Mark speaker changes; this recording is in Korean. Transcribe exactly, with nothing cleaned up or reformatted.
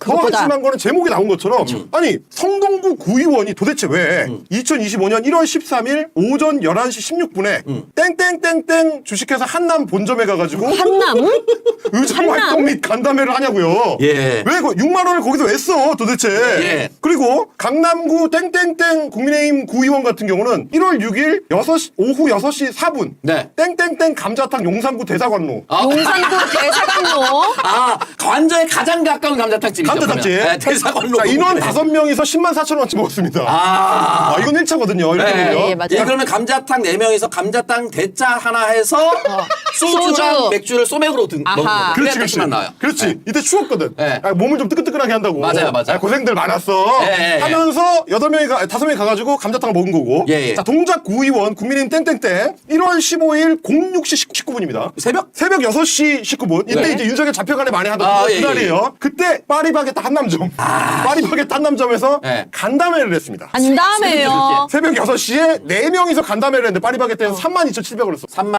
Speaker 1: 더
Speaker 2: 그것보다.
Speaker 1: 한심한 거는 제목이 나온 것처럼 아니 성동구 구의원이 도대체 왜
Speaker 2: 음.
Speaker 1: 이천이십오년 일월 십삼일 오전 열한 시 십육 분에
Speaker 2: 음.
Speaker 1: 땡땡땡땡 주식회사 한남 본점에 가가지고
Speaker 2: 한남?
Speaker 1: 의정 활동 및 간담회를 하냐고요.
Speaker 2: 예.
Speaker 1: 왜 그 육만 원을 거기서 왜 써 도대체?
Speaker 2: 예.
Speaker 1: 그리고 강남구 땡땡땡 국민의힘 구의원 같은 경우는 일월 육일 여섯 시 오후 여섯 시 사 분
Speaker 2: 네.
Speaker 1: 땡땡땡 감자탕 용산구 대사관로
Speaker 2: 아,
Speaker 3: 용산구 대사관로.
Speaker 2: 아, 관저에 가장 가까운 감자탕집이죠.
Speaker 1: 감자탕집.
Speaker 2: 그러면. 네, 대사관로.
Speaker 1: 자, 인원
Speaker 2: 거기네.
Speaker 1: 다섯 명이서 십만 사천 원치 먹었습니다.
Speaker 2: 아.
Speaker 1: 아, 이건 일 차거든요. 이렇게
Speaker 2: 네.
Speaker 1: 보면.
Speaker 3: 예, 맞아요.
Speaker 2: 예, 그러면 감자탕 네 명이서 감자탕 대짜 하나 해서 소주랑
Speaker 3: 소주.
Speaker 2: 맥주를 소맥으로 드,
Speaker 3: 아하.
Speaker 2: 먹는 거예요.
Speaker 1: 그렇지, 그렇지.
Speaker 2: 맛만 나와요.
Speaker 1: 그렇지.
Speaker 2: 네.
Speaker 1: 이때 추웠거든.
Speaker 2: 네.
Speaker 1: 아, 몸을 좀 뜨끈뜨끈하게 한다고.
Speaker 2: 맞아요, 맞아요.
Speaker 1: 아, 고생들 많았어.
Speaker 2: 예, 예, 예.
Speaker 1: 하면서 여덟 명이 가, 다섯 명이 가가지고 감자탕을 먹은 거고.
Speaker 2: 예, 예.
Speaker 1: 자, 동작 구의원 국민의힘 땡땡땡 일월 십오일 공육 시 십구 분입니다.
Speaker 2: 새벽?
Speaker 1: 새벽 여섯 시 십구 분. 이때
Speaker 2: 네.
Speaker 1: 이제 윤석열 잡혀가네 많이 하던
Speaker 2: 아,
Speaker 1: 그
Speaker 2: 예, 예,
Speaker 1: 그날이에요. 그때 파리바게뜨 한남점. 파리바게뜨 한남점에서
Speaker 2: 예.
Speaker 1: 간담회를 했습니다.
Speaker 3: 간담회요.
Speaker 1: 새벽 여섯 시에 네 명이서 간담회를 했는데 파리바게뜨에서 삼만 이천칠백 원을 썼어.
Speaker 2: 삼만